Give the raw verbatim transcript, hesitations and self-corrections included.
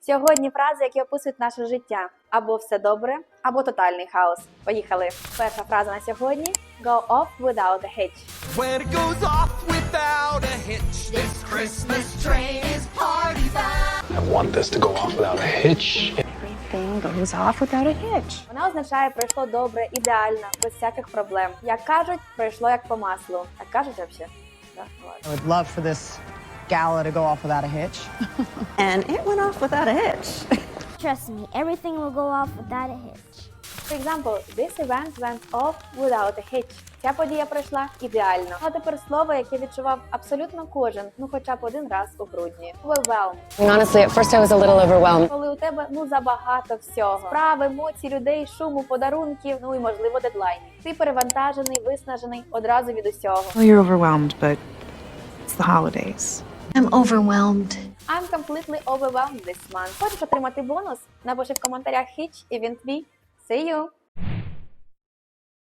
Сьогодні фрази, які описують наше життя. Або все добре, або тотальний хаос. Поїхали. Перша фраза на сьогодні. Go off without a hitch. When it goes off without a hitch, this Christmas train is party bound. I want this to go off without a hitch. Everything goes off without a hitch. Вона означає пройшло добре, ідеально, без всяких проблем. Як кажуть, пройшло як по маслу. Так кажуть взагалі? Да? I would love for this gala to go off without a hitch. And it went off without a hitch. Trust me, everything will go off without a hitch. For example, this event went off without a hitch. Ця подія пройшла ідеально. А тепер слово, яке відчував абсолютно кожен, ну хоча б один раз у грудні. Overwhelmed. Honestly, at first I was a little overwhelmed. Коли у тебе ну забагато всього. Справ, емоцій, людей, шуму, подарунків, ну і можливо дедлайнів. Ти перевантажений, виснажений одразу від усього. Well, you're overwhelmed, but it's the holidays. I'm overwhelmed. I'm completely overwhelmed this month. Хочеш отримати бонус? Напиши в коментарях хіч і він твій. See you!